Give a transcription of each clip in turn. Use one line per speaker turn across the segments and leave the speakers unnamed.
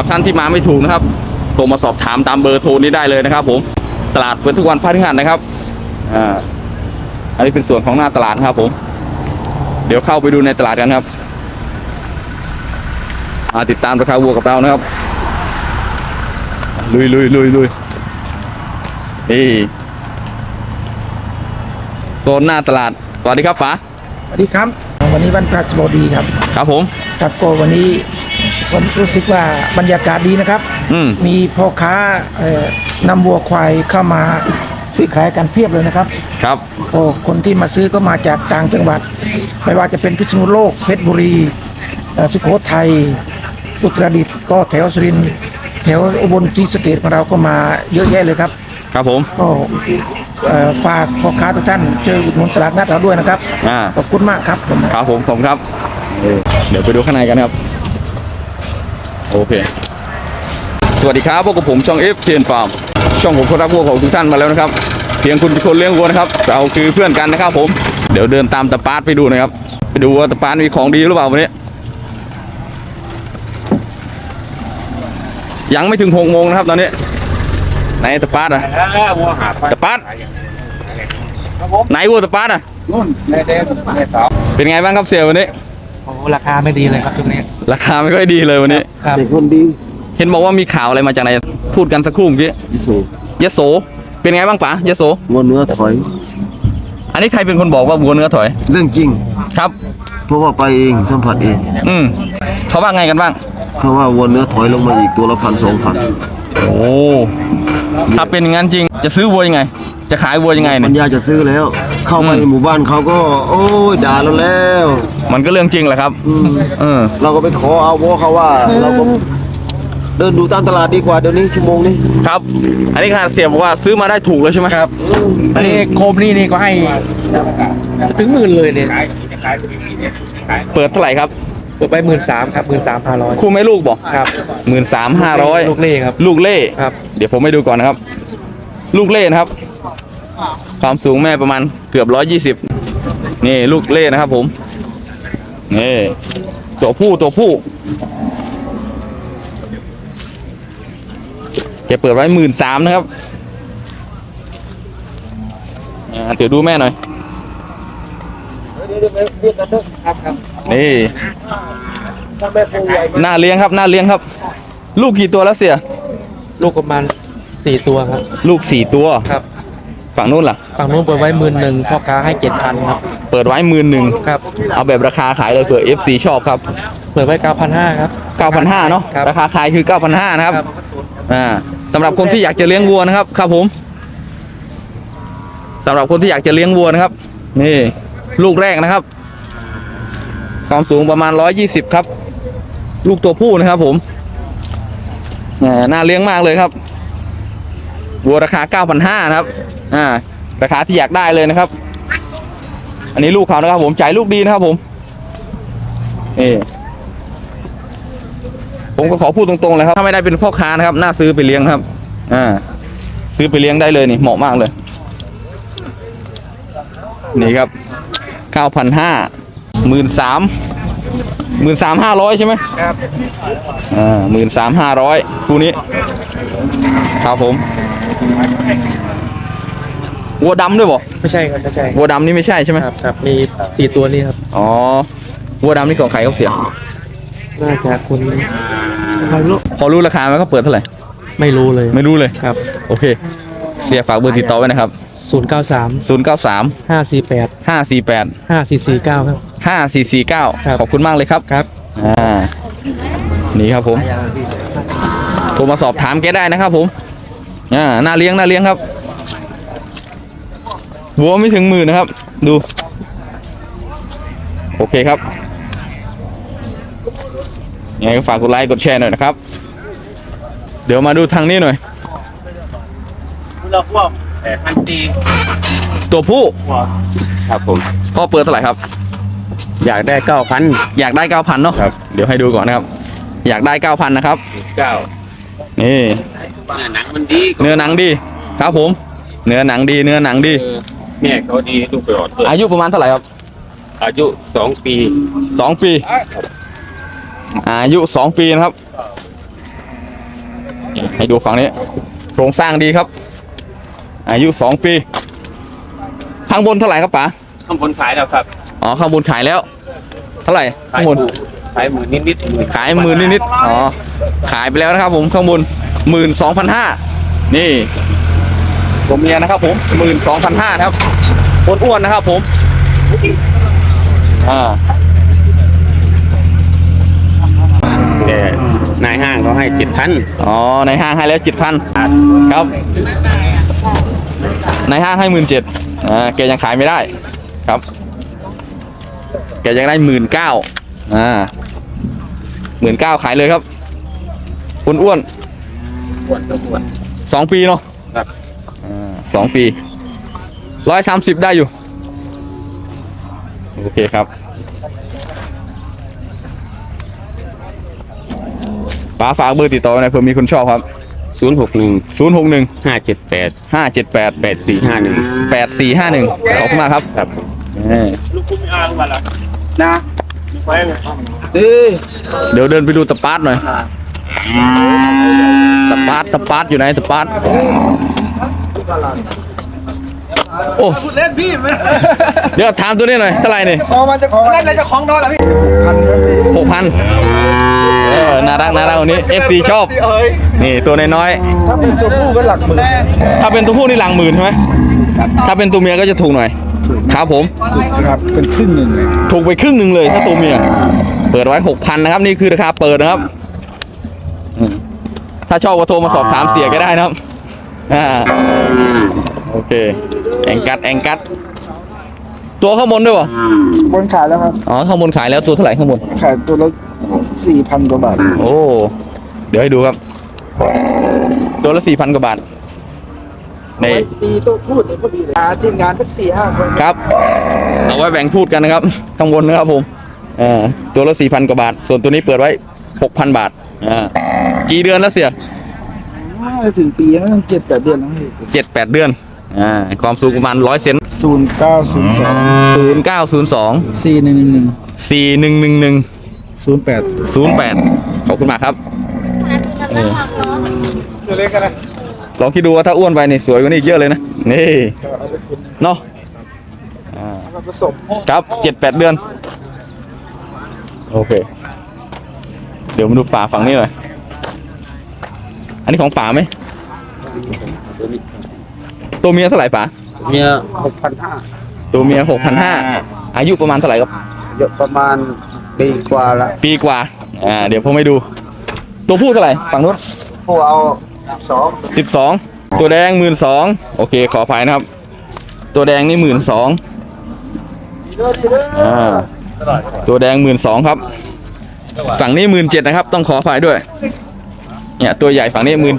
รับท่านที่มาไม่ถูกนะครับโทรมาสอบถามตามเบอร์โทรนี้ได้เลยนะครับผมตลาดเปิดทุกวันพฤหัสนะครับอันนี้เป็นส่วนของหน้าตลาดครับผมเดี๋ยวเข้าไปดูในตลาดกันครับติดตามราคาวัวกับเรานะครับลุยนี่โซนหน้าตลาดสวัสดีครับป๋า
สวัสดีครับวันนี้วันพฤหัสบดีครับ
ครับผม
ครับก็วันนี้ผมรู้สึกว่าบรรยากาศดีนะครับมีพ่อค้านำวัวควายเข้ามาซื้อขายกันเพียบเลยนะครับ
ครับ
โอ้คนที่มาซื้อก็มาจากต่างจังหวัดไม่ว่าจะเป็นพิษณุโลกเพชรบุรีสุโขทัยอุตรดิตถ์ก็แถวสุรินทร์แถวอุบลศรีสะเกษของเราก็มาเยอะแยะเลยครับ
ครับผม
ก็ฝากพ่อค้าทุกท่านเจออุดหนุนตลาดนัดเราด้วยนะครับขอบคุณมากครับ
ครับผมครับเดี๋ยวไปดูข้างในกันครับโอเคสวัสดีครับพวกกับผมช่อง FTN Farm ช่องผมคนรักวัวของทุกท่านมาแล้วนะครับเพียงคุณเป็นคนเลี้ยงวัวนะครับเราคือเพื่อนกันนะครับผมเดี๋ยวเดินตามตะปาดไปดูนะครับไปดูว่าตะปาดมีของดีหรือเปล่าวันนี้ยังไม่ถึง6 โมงนะครับตอนนี้ไหนตะปาดอะตะปาดไหนวัวตะปาดอะ
นู่นในเดส
เป็นไงบ้างครับเสี่ยวันนี้
โอ้ราคาไม่ดีเลยครับช่วงนี้
ราคาไม่ค่อยดีเลยวันนี้
เด็กคนดี
เห็นบอกว่ามีข่าวอะไรมาจากไหนพูดกันสักครู่เมื่อกี้ยโสเป็นไงบ้างป๋ายโส
วัวเนื้อถอย
อันนี้ใครเป็นคนบอกว่าวัวเนื้อถอย
เรื่องจริง
ครับ
เพราะว่าไปเองสัมผัสเอง
เขาว่าไงกันบ้าง
เขาว่าวัวเนื้อถอยลงมาอีกตัวละ1,000-2,000
โอ้ถ้าเป็นอย่างนั้นจริงจะซื้อวัวยังไงจะขายวัวยังไงเนี่ย
ปัญญาจะซื้อแล้วเข้ามาในหมู่บ้านเขาก็โอ้ยด่าเราแล้ว
มันก็เรื่องจริงแหละครับ
เราก็ไปขอเอาวัวเขาว่าเราก็เดินดูตามตลาดดีกว่าเดี๋ยวนี้ชั่วโมงนี้
ครับอันนี้ขนาดเสียบอกว่าซื้อมาได้ถูกแล้วใช่ไหมครับ
อันนี้โคมนี่ก็ให้ถึง10,000เลยเนี่ย
เปิดเท่าไหร่ครับ
เปิดไป13,000ครับ13,500
คู่แม่ลูกบอก
ครับ
13,500
ลูกเล่ครับ
ลูกเล่
ครับ
เดี๋ยวผมให้ดูก่อนนะครับลูกเล่นะครับความสูงแม่ประมาณเกือบ120นี่ลูกเล่นะครับผมนี่ตัวผู้แกเปิดไว้13,000นะครับเดี๋ยวดูแม่หน่อยนี่น่าเลี้ยงครับลูกกี่ตัวแล้วเสีย
ลูกประมาณ4 ตัวครับ
ลูก4 ตัว
ครับ
ฝั่งนู้นล่ะ
ฝั่งนู้นเปิดไว้11,000พ่อค้าให้ 7,000ครับ
เปิดไว้11,000
ครับ
เอาแบบราคาขายเลยเผื่อ FC ชอบครับ
เปิดไว้ 9,500ครับ
9,500เนาะราคาขายคือ 9,500นะครับสำหรับคนที่อยากจะเลี้ยงวัวนะครับครับผมสำหรับคนที่อยากจะเลี้ยงวัวนะครับนี่ลูกแรกนะครับความสูงประมาณ120ครับลูกตัวผู้นะครับผมน่าเลี้ยงมากเลยครับวัวราคา 9,500นะครับราคาที่อยากได้เลยนะครับอันนี้ลูกเขานะครับผมจ่ายลูกดีนะครับผมผมก็ขอพูดตรงๆเลยครับถ้าไม่ได้เป็นพ่อค้านะครับน่าซื้อไปเลี้ยงครับซื้อไปเลี้ยงได้เลยนี่เหมาะมากเลยนี่ครับ 9,500 13,500ใช่ไหม
ครับ
13,500คู่นี้ครับผมวัวดำด้วยบ่
ไม่ใช่ครับไม่ใช่
วัวดำนี่ไม่ใช่ใช่ไหม
ครับมี4 ตัวนี่ครับ
อ๋อวัวดำนี่ของใครเขาเสีย
น่าจะคุณ
พอรู้ราคาไหมเขาเปิดเท่าไหร่
ไม่รู้เลย
ครับโอเคเสียฝากเบอร์ติดต่อไว้นะครับ
093 548 5449ครับ
5449ขอบคุณมากเลยครับ
ครับ
นี่ครับผมโทรมาสอบถามแกได้นะครับผมน่าเลี้ยงครับวัวไม่ถึง10,000นะครับดูโอเคครับยังไงก็ฝากกดไลค์กดแชร์หน่อยนะครับเดี๋ยวมาดูทางนี้หน่อยตัวผู้
ครับผม
พ่อเปิดเท่าไหร่ครับ
อยากได้9,000
อยากได้ 9,000เนาะเดี๋ยวให้ดูก่อนนะครับอยากได้ 9,000นะครับนี่
เนื้อหนังมันดี
เนื้อหนังดีครับผมเนื้อหนังดี
แม่เขาดีลูกไปอด
อายุประมาณเท่าไหร่ครับ
อายุ2 ปี
อายุ2 ปีนะครับให้ดูฝั่งนี้โครงสร้างดีครับ อายุ2 ปีข้างบนเท่าไหร่ครับป๋า
ข้างบนขายแล้วครับ
อ๋อข้างบนขายแล้ว เท่าไหร่ข้างบน
ขายหมื่นนิดๆ
ขาย10,000นิดๆอ๋อขายไปแล้วนะครับผมข้างบน12,500นี่ตัวเมียนะครับผม12,500นะครับอ้วนๆนะครับผม
แต่นายห้างเขาให้7,000
อ๋อในห้างให้แล้ว7,000ครับในห้างให้17,000แกยังขายไม่ได้ครับแกยังได้19,000 19,000ขายเลยครับอ้วนๆ2 ปีเนาะ
ครับ
2 ปี130ได้อยู่โอเคครับป๋าฝากเบอร์ติดต่อหน่อยเผื่อมีคนชอบครับ
061
061
578
578
8451
8451ขอบคุณมากครับ
ครับ
นะดี
เดี๋ยวเดินไปดูตะปาดหน่อยตะปาดอยู่ไหนตะปาดโอ้เล่นพี่เดี๋ยวถามตัวนี้หน่อยเท่าไหร่นี่
พอมันจะของนั่นเลยจะของนอนแล้วพี่พันครับพี่
6,000น่ารักวันนี้ FC ชอบนี่ตัวน้อย
ถ้าเป็นตัวผู้ก็หลักหมื่น
ๆถ้าเป็นตัวผู้นี่หลังหมื่นใช่ไหมถ้าเป็นตัวเมียก็จะถูกหน่อยครับผม
ครับเป็นครึ่งหนึ่งเลย
ถูกไปครึ่งหนึ่งเลยถ้าตัวเมียเปิดไว้ 6,000นะครับนี่คือราคาเปิดนะครับถ้าชอบก็โทรมาสอบถามเสียก็ได้นะครับโอเคแองกัดตัวข้างบนด้วยป่ะ
บนขายแล้วครับ
อ๋อข้างบนขายแล้วตัวเท่าไหร่ข้างบน
ขายตัวละ4,000 กว่าบาท
โอ้เดี๋ยวให้ดูครับตัวละ 4,000 กว่าบาทใน
ปีตัวพูดเนี่ยพอดีเลยทีมงานสัก4-5 คน
ครับเอาไว้แบ่งพูดกันนะครับข้างบนนะครับผมตัวละ 4,000 กว่าบาท ส่วนตัวนี้เปิดไว้ 6,000 บาทกี่เดือนแล้วเสีย
ไม่ถึงปีนะต้อง7-8 เดือนนะพี่
7-8 เดือนความสูงประมาณ100 เซน
0902
0902
4111
4111 08ขอบคุณมากครับลองคิดดูว่าถ้าอ้วนไปนี่สวยกว่านี้อีกเยอะเลยนะนี่เนาะ
ผสม
ครับ7-8 เดือนโอเคเดี๋ยวมาดูป่าฝั่งนี้หน่อยอันนี้ของป่าไหมตัวเมียเท่าไหร่ป่า
เมีย6,500
ตัวเมีย 6,500อายุประมาณเท่าไหร่ครับ
เยอะประมาณปีกว่าละ
ปีกว่าเดี๋ยวผมให้ดู ตัวผู้เท่าไหร่ฝั่งนู้น
ผู้เอา2
12ตัวแดง12,000โอเคขออภัยนะครับ ตัวแดงนี่12,000ตัวแดง12,000ครับฝั่งนี้17,000นะครับต้องขออภัยด้วยเนี่ยตัวใหญ่ฝั่งนี้17,000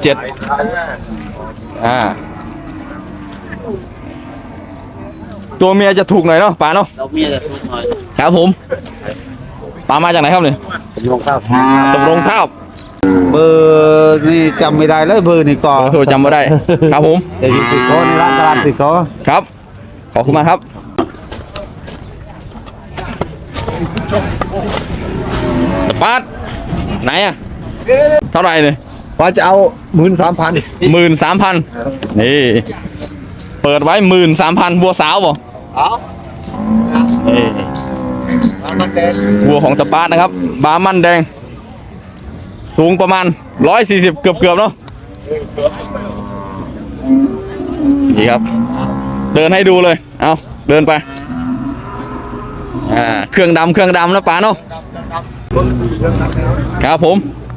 ตัวเมียจะถูกหน่อยเนาะป๋าเนาะ
เราเมียจะทุกหน่อย
ครับผมป๋ามาจากไหนครับเนี่ย
เป็นลงข้าว
สำโรงข้าว
เบอร์นี่จำไม่ได้เลยเบอร์นี่ก่อน
โทรจำไม่ได้ครับผม
เดี๋ยวสิโก้ในร้านตลาดสิโก้
ครับขอบคุณมากครับสปาร์ตไหนอะเท่าไหร่เนี่ย
ว่าจะเอา13,000
13,000นี่เปิดไว้ 13,000วัวสาวบ่นี่วัวของสปาร์ตนะครับบาร์มันแดงสูงประมาณ140เกือบเนาะนี่ครับเดินให้ดูเลยเอาเดินไปเครื่องดำนะป๋าเนาะครับผม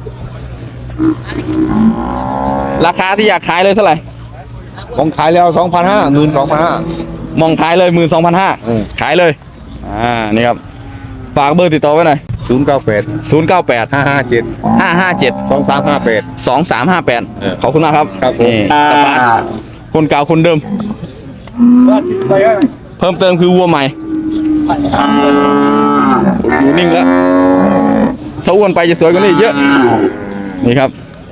ราคาที่อยากขายเลยเท่าไหร่
ผมขายแล้ว 2,500 12,500
มองขายเลย12,500ขายเลยนี่ครับฝากเบอร์ติดต่อไว้หน่อย
098
098
557
557
2358
2358ขอบคุณมากครับ
ครับผม
นี่สปาร์ตคนเก่าคนเดิม เพิ่มเติมคือวัวใหม่อยู่นิ่งแล้วถ้าอ้วนไปจะสวยกว่านี้เยอะนี่ครับ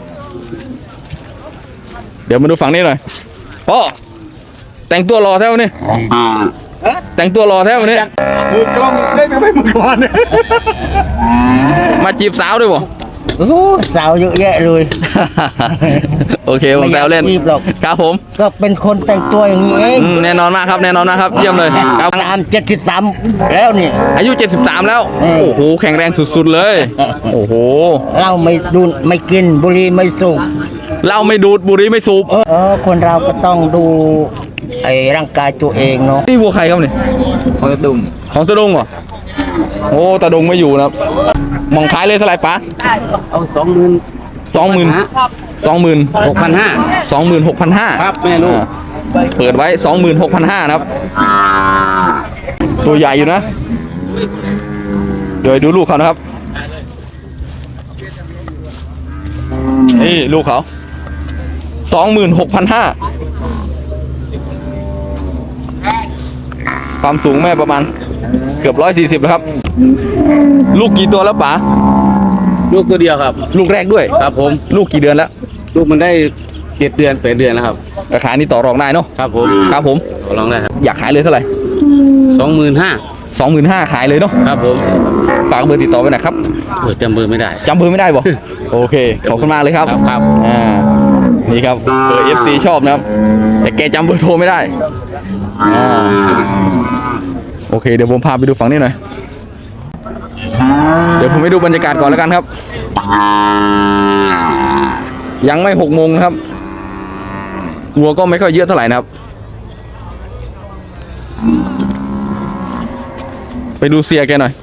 เดี๋ยวมาดูฝั่งนี้หน่อยพ่อแต่งตัวรอแถวนี้แต่งตัวรอแถวนี้
มือกล้องเล่นไม่มือก่อน
มาจีบสาวด้วยบ่
โอ้สาวเยอะแยะเลย
โอเคผมแซวเล่น
ไม่อยากรีบหรอก
ครับผม
ก็เป็นคนแต่งตัวอย่างนี้เอง
แน่นอนมากครับแน่นอนมากครับเยี่ยมเลยครับ
ตาม73แล้วนี่
อายุ 73 แล้ว โอ้โหแข็งแรงสุดๆเลย โอ้โห
เหล้าไม่ดูดไม่กินบุหรี่ไม่สูบ
เหล้าไม่ดูดบุหรี่ไม่สูบ
คนเราก็ต้องดูไอ้ร่างกายตัวเองเนาะ
นี่วัวใครครับเนี่ย
ของตุ่ม
ของตะดงเหรอโอ้ตะดงไม่อยู่นะครับมองขายเลยเท่าไหร่ป๋า
เอา20,000
26,500
ครับแม่ลูก
เปิดไว้ 26,500นะครับ ตัวใหญ่อยู่นะ เดี๋ยวดูลูกเขานะครับ นี่ลูกเขา 26,500 ความสูงแม่ประมาณเกือบ140แล้วครับ ลูกกี่ตัวแล้วป๋า
ลูกตัวเดียวครับ
ลูกแรกด้วย
ครับผม
ลูกกี่เดือนแล้ว
ลูกมันได้7 เดือน8 เดือนแล้วครับ
ราคานี้ต่อรองได้เนาะ
ครับผม
ครับผม
ลองได้ครับ
อยากขายเลยเท่าไหร่
25,000
25,000ขายเลยเนาะ
ครับผม
ฝากเบอร์ติดต่อไว้หน่อยครับ
โอ้ยจำเบอร์ไม่ได้
จำเบอร์ไม่ได้บ่ โอเค ขอบคุณมากเลยครับ
ครับ
นี่ครับเบอร์ FC ชอบนะครับ แต่แกจำเบอร์โทรไม่ได้โอเค เดี๋ยวผมพาไปดูฝั่งนี้หน่อย เดี๋ยวผมไปดูบรรยากาศก่อนแล้วกันครับ ยังไม่6 โมงนะครับวัวก็ไม่ค่อยเยอะเท่าไหร่นะครับ ไปดูเสียแกหน่อย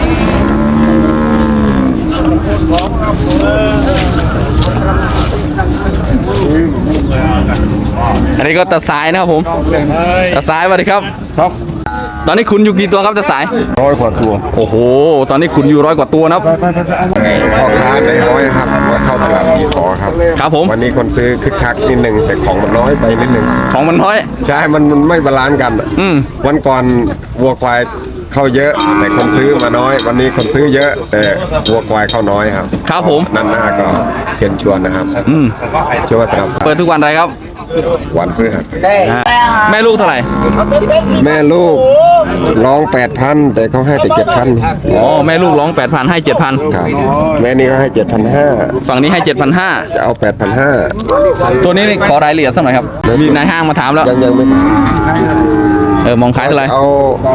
อันนี้ก็ตาสายนะครับผมตาสายสวัสดีครับ
ครับ
ตอนนี้คุณอยู่กี่ตัวครับตาสาย
100 กว่าตัว
โอ้โห ตอนนี้คุณอยู่100 กว่าตัวนะครับ
พ่อค้าได้น้อยครับว่าเข้าตลาดสีขอครับ
ครับผม
วันนี้คนซื้อคึกคักนิดหนึ่งแต่ของมันน้อยไปนิดหนึ่ง
ของมันน้อย
ใช่มันไม่บาลานซ์กัน
อืม
วันก่อนวัวควายเข้าเยอะ แต่คนซื้อมาน้อย วันนี้คนซื้อเยอะ แต่วัวควายเข้าน้อยครับ
ครับผม
นั่นหน้าก็เชิญชวนนะครับ
อืม
ช่วยมาสนับสนุ
เปิ
น
ดทุกวันอะไรครับ
วันพฤหัส
แม่ลูกเท่าไหร่
แม่ลูกร้อง 8,000 แต่เขาให้แต่ 7,000
อ๋อ แม่ลูกร้อง 8,000 ให้ 7,000
ครับแม่นี่ก็ให้ 7,500
ฝั่งนี้ให้ 7,500
จะเอา 8,500
ตัวนี้นี่ขอรายละเอียดสักหน่อยครับ มีนายห้างมาถามแล้ว
ยังไม่
มองขายเท่าไหร่
เอา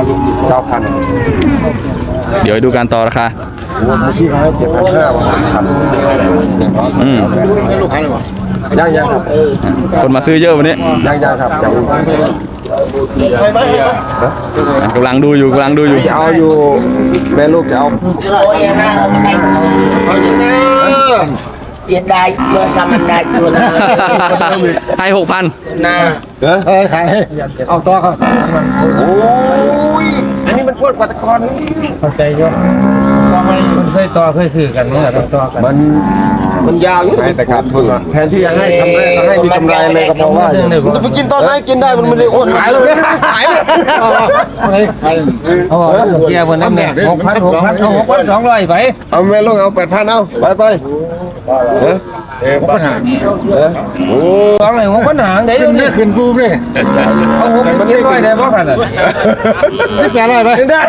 9,000
เดี๋ยวดูการต่อราคา
วัวเมื่อกี้เขาให้7,500วันพัน
อืม
ลูกค้าเลยวะยังครับ
คนมาซื้อเยอะวันนี้
ยังครับยัง
กำลังดูอยู่กำลังดูอยู่
จะเอาอยู่แม่ลูกจะเอา
เย็นได้เมื่อทำมันได้ตัวนะ
ให้ 6,000
นะ
ขายให้เอาตัวครับโอ้ยอันนี้มันพวดกว่าตะกอน
เข้าใจเยอะมันเคยต่อเคยคือกันเมื่อต้องต่อกัน
มันยาวอยู่แต่ขาดทุนแทนที่จะให้ทำได้ก็ให้มีกำไรเลยก็เพราะว่าจะไปกินตอนไหนกินได้มันไม่ได้โอนขายเลยขายเลย
เอาบอกว่าเกียร์บนนั้นเนี่ย6,000เอา6,200ไป
เอาแม่ลูกเอา8,000เอาไปปัญหาโอ้
สองเลย6,000หางเดี๋ยวนี้ขึ้นกูเลยเอา6,700ได้บ่กันน่ะ800ไปได้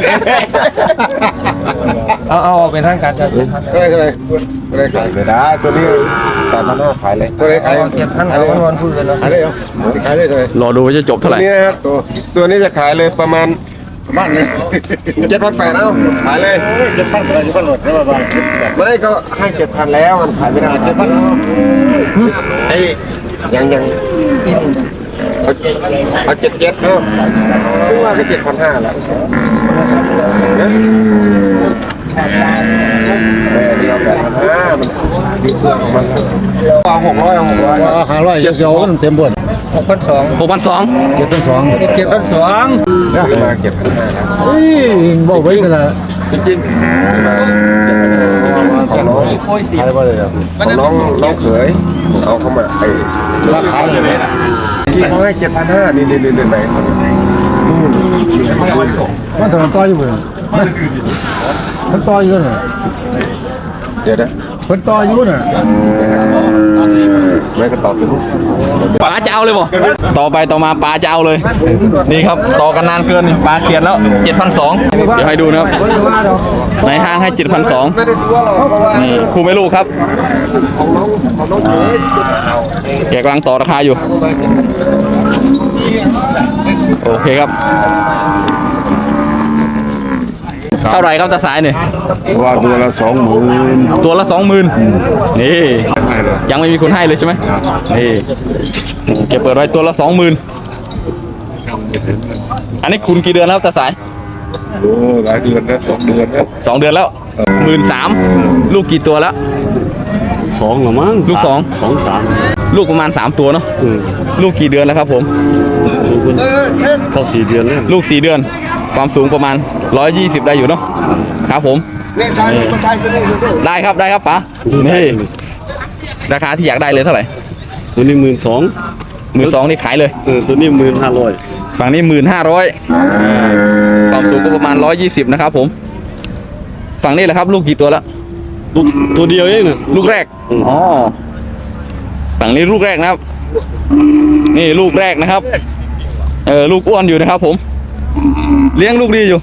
เอาเป็นทางการกัน
อะไรขายเลยได้ตัวนี้8,500ขายเลยตัวนี้ขาย
7,000เอาเงินพูดกันแล้ว
ขายเลยเหรอขายเลยเลย
รอดูว่าจะจบเท่าไหร่
ตัวนี้นะครับตัวนี้จะขายเลยประมาณเลย7,800เอาขายเลย7,000อะไร7,000หมดแล้วประมาณไม่ก็ให้7,000แล้วมันขายไม่ได้7,000ไอ้ยังเอา77เอาซึ่งว่าก็7,500แล้วนะเดียว8,500มันดีกว่าของมันเอา500จะเสียวกันเต็มบน
6,200
6,200
7,200
มา7,500
บอกไว้กันนะ
จริงๆของน้องของน้องเขยเอาเข้ามาไอ้
ราคาเลย
ที่เขาให้7,500นี่ไหน
มันต่ออยู่เลยมันต่ออยู่เลย
เดี๋ยวนะคนต่ออายุน่ะไม่ก็ต่อไป
ป๋าจะเอาเลยบ่ต่อไปต่อมาป๋าจะเอาเลย นี่ครับต่อกันนานเกินป๋าเขียนแล้ว7,200เดี๋ยวให้ดูนะครับในห้างให้7,200
ไม่ได้ตัวหรอกเพราะว่า
นี่คู่ไม่ลูกครับ
ของน้องเจ๊
แกกำลังต่อราคาอยู่ โอเคครับ เท่าไหร่ครับตาสายเนี่ย
ว่าตัวละ20,000
ตัวละ 20,000นี่ยังไม่มีคนให้เลยใช่ไหมนี่แกเปิดไว้ตัวละ 20,000อันนี้คุณกี่เดือนแล้วตาสาย
โอ้หลายเดือนแล้ว2 เดือนแล้ว
2 เดือนแล้ว13,000ลูกกี่ตัวแล้ว
2หรอมั้ง
ลูก2
2
ลูกประมาณ3ตัวเนาะลูกกี่เดือนแล้วครับผม
3เข้า4 เดือนแล้ว
ลูก4 เดือน ความสูงประมาณ120ได้อยู่เนาะครับผม
นี่ไทยคนไทยจะได้ดูด้วย
ได้ครับป๋านี่ราคาที่อยากได้เลยเท่าไหร่
ตัวนี้12,000
12,000นี่ขายเลย
ตัวนี้1,500
ฝั่งนี้15,000ความสูงก็ประมาณ120นะครับผมฝั่งนี้แหละครับลูกกี่ตัวแล้ว
ลูกตัวเดียวเองน่ะ
ลูกแรกอ๋อฝั่งนี้ลูกแรกนะครับ นี่ลูกแรกนะครับลูกอ้วนอยู่นะครับผมเลี้ยงลูกดีอยู่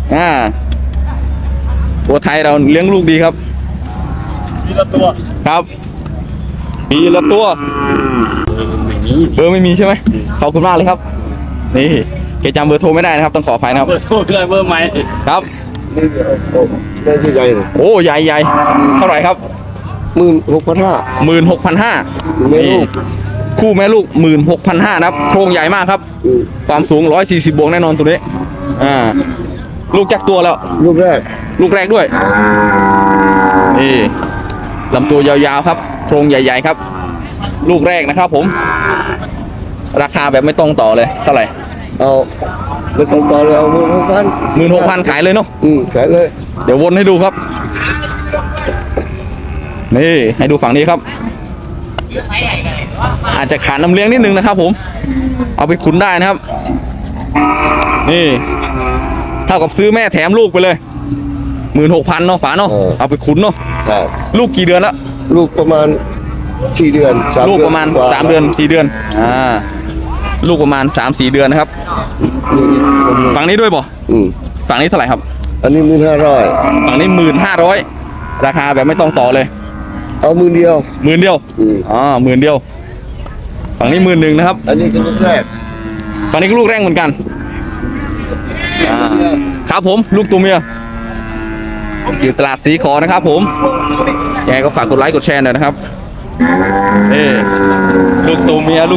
ตัวไทยเราเลี้ยงลูกดีครับปีละตัวครับปีละตัวเบอร์ไม่มีใช่ไหมขอบคุณมากเลยครับนี่เกจำเบอร์โทรไม่ได้นะครับต้องขออภัยนะครับเบอร์โทรคือเบอร์ใหม่ครับ
นี่ได้ที่ใหญ่เลย
โอ้ใหญ่เท่าไหร่ครับ
16,500
16,500
แม่ลูก
คู่แม่ลูก 16,500นะครับโครงใหญ่มากครับ ความสูง140บวกแน่นอนตัวนี้ลูกจักตัวแล้ว
ลูกแรก
ลูกแรกด้วยนี่ลำตัวยาวๆครับโครงใหญ่ๆครับ ลูกแรกนะครับผมราคาแบบไม่ต้องต่อเลยเท่าไหร่
เอาไม่ต้องต่อเลยเอา
16,000
16,000
ขายเลยเนาะ
ขายเลย
เดี๋ยววนให้ดูครับนี่ให้ดูฝั่งนี้ครับ อาจจะขาดน้ำเลี้ยงนิดนึงนะครับผมเอาไปขุนได้นะครับนี่เท่ากับซื้อแม่แถมลูกไปเลย16,000เนาะป๋าเนาะเอาไปขุนเนาะ
ครับ
ลูกกี่เดือนแล้ว
ลูกประมาณ4 เดือน3
ลูกประมาณ3 เดือน4 เดือนลูกประมาณ3-4 เดือนนะครับฝั่งนี้ด้วยบ่ฝั่งนี้เท่าไหร่ครับ
อันนี้1,500
ฝั่งนี้15,000ราคาแบบไม่ต้องต่อเลย
เอา10,000
10,000เดียว10,000เดียวฝั่งนี้11,000นะครับ
อันนี้คือลูกแรก
ฝั่งนี้ก็ลูกแรกเหมือนกันครับผมลูกตัวเมียอยู่ตลาดสีขอนะครับผมยังไงก็ฝากกดไลค์กดแชร์หน่อยนะครับนี่ลูกตัวเมีย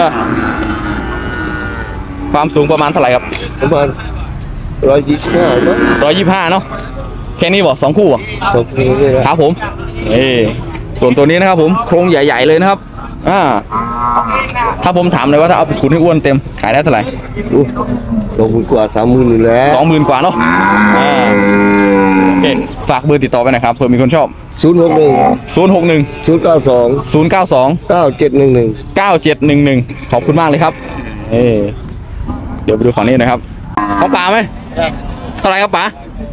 ความสูงประมาณเท่าไหร่ครับ
ประมาณ125มั้ง
125เนาะแค่นี้บ่2 คู่บ่
2 ปีนี่นะครับ
ผมส่วนตัวนี้นะครับผมโครงใหญ่ๆเลยนะครับถ้าผมถามเลยว่าถ้าเอาไปขุนให้อ้วนเต็มขายได้เท่าไหร่
20,000 กว่า 30,000นี่แหละ
20,000 กว่าเนาะโอเคฝากเบอร์ติดต่อไปหนะครับเผื่อมีคนชอบ
061
061
092
092
9711
9711ขอบคุณมากเลยครับเดี๋ยวไปดูฝั่งนี้นะครับเขาป่าไหมเท่าไหร่ครับป๋า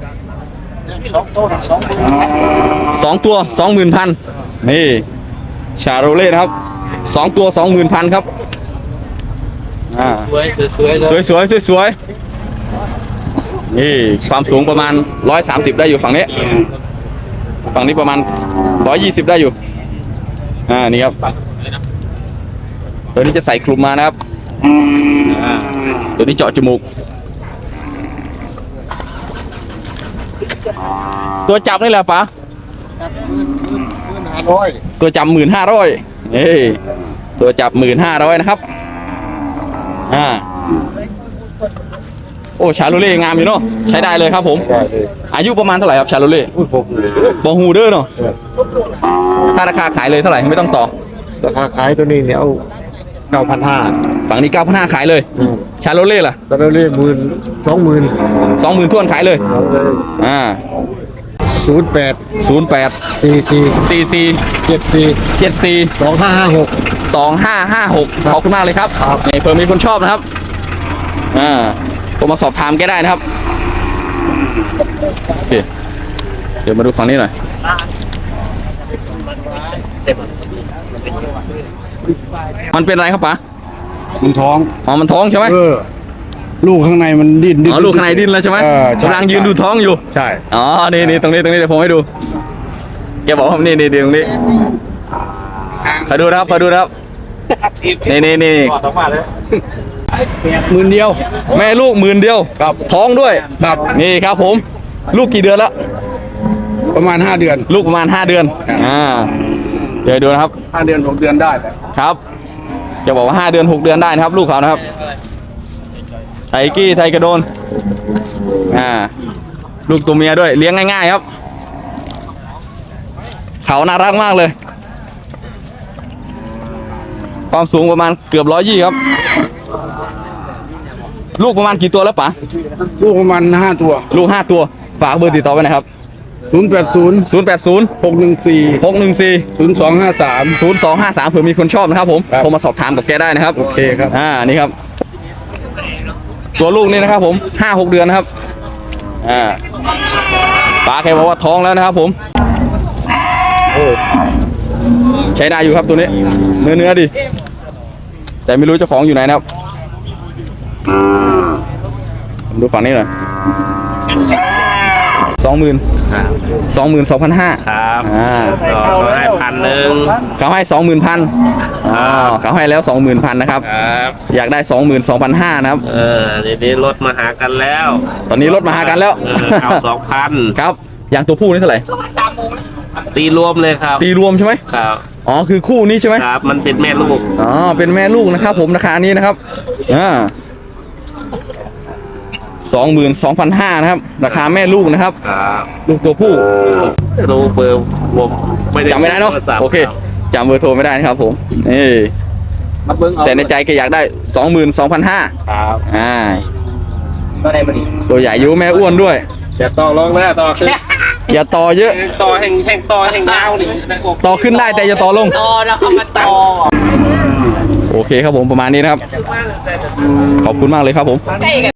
2 ตัว 20,000นี่ชาโรเล่นะครับ2 ตัว 20,000ครับสวยนี่ความสูงประมาณ130ได้อยู่ฝั่งนี้ประมาณ120ได้อยู่นี่ครับตัวนี้จะใส่คลุมมานะครับตัวนี้เจาะจมูกตัวจับนี่แหละป๋าตัวจับ15,000ตัวจับ15,000นะครับโอ้ชาโลเล่งามอยู่เนาะใช้ได้เลยครับผมอายุประมาณเท่าไหร่ครับชาโลเล่บอฮูเดอร์เนาะถ้าราคาขายเลยเท่าไหร่ไม่ต้องต่อ
ราคาขายตัวนี้เนี่ยเอา9,500
ฝั่งนี้9,500ขายเลยชาโลเล่ล่ะ
ตอนนี้20,000
20,000ท้วนขายเลย08 44 74 2556ขอบคุณมากเลยครับนี่เพิ่มมีคนชอบนะครับผมมาสอบถามแกได้นะครับโอเคเดี๋ยวมาดูฝั่งนี้หน่อยมันเป็นอะไรครับป๋า
มันท้อง
อ๋อมันท้องใช่ไหม
ลูกข้างในมันดิ้น
อ๋อลูกข้างในดิ้นแล้วใช่ไหม
ใช่
กำลังยืนดูท้องอยู่
ใช่
อ๋อนี่ตรงนี้เดี๋ยวผมให้ดูแกบอกว่านี่ตรงนี้ขอดูนะครับนี่
หมื่นเดียว
แม่ลูก10,000ครับท้องด้วย
ครับ
นี่ครับผมลูกกี่เดือนแล้ว
ประมาณ5 เดือน
ลูกประมาณ5 เดือนเดี๋ยวดูนะครับ
5 เดือน 6 เดือนได้
ครับจะบอกว่า5 เดือน 6 เดือนได้นะครับ ลูกเขานะครับไทกี้ไทกระโดนลูกตัวเมียด้วยเลี้ยงง่ายๆครับเขาน่ารักมากเลยความสูงประมาณเกือบ120ครับลูกประมาณกี่ตัวแล้วป๋า
ลูกประมาณ5 ตัว
ลูก5 ตัวฝากเบอร์ติดต่อไว้นะครับ
080
080
614
614
0253
0253เผื่อมีคนชอบนะครับผม
ครับ
โทรมาสอบถามกับแกได้นะครับ
โอเคครับ
นี่ครับ ตัวลูกนี่นะครับผม5-6 เดือนนะครับป๋าแกบอกว่าท้องแล้วนะครับผมใช้ได้อยู่ครับตัวนี้เนื้อดิแต่ไม่รู้เจ้าของอยู่ไหนนะครับดูฝั่งนี้หน่อย22,500
ครับ ก็ให้1,000
เขาให้ 20,000เขาให้แล้ว 20,000นะครับ
ครับ
อยากได้ 22,500นะครับ
นี่รถมาหากันแล้ว
ตอนนี้ลดมาหากันแล้ว
เอา2,000
ครับอย่างตัวผู้นี่เท่าไหร่
ตีรวมเลยครับ
ตีรวมใช่ไหม
ครับ
อ๋อคือคู่นี้ใช่ไหม
ครับมันเป็นแม่ลูก
อ๋อเป็นแม่ลูกนะครับผมราคานี้นะครับ22,500นะครับราคาแม่ลูกนะครับ
ครับ
ลูกตัวผู้
รู้เบอร์ผมไม่ได้
จำไม่ได้เนาะ
โทรศัพท์
โอเคจำเบอร์โทรไม่ได้นะครับผมนี่แต่ในใจแกอยากได้ 22,500
ครับ
ตัวใหญ่อยู่แม่อ้วนด้วย
อย่าต่อรองแล้วต่อขึ้น
อย่าต่อเยอะ
ต่อแห่งยาวดิ
ต่อขึ้นได้แต่อย่าต่อลง
ต่อแล้วเขามาต่อ
โอเคครับผมประมาณนี้นะครับ ขอบคุณมากเลยครับผม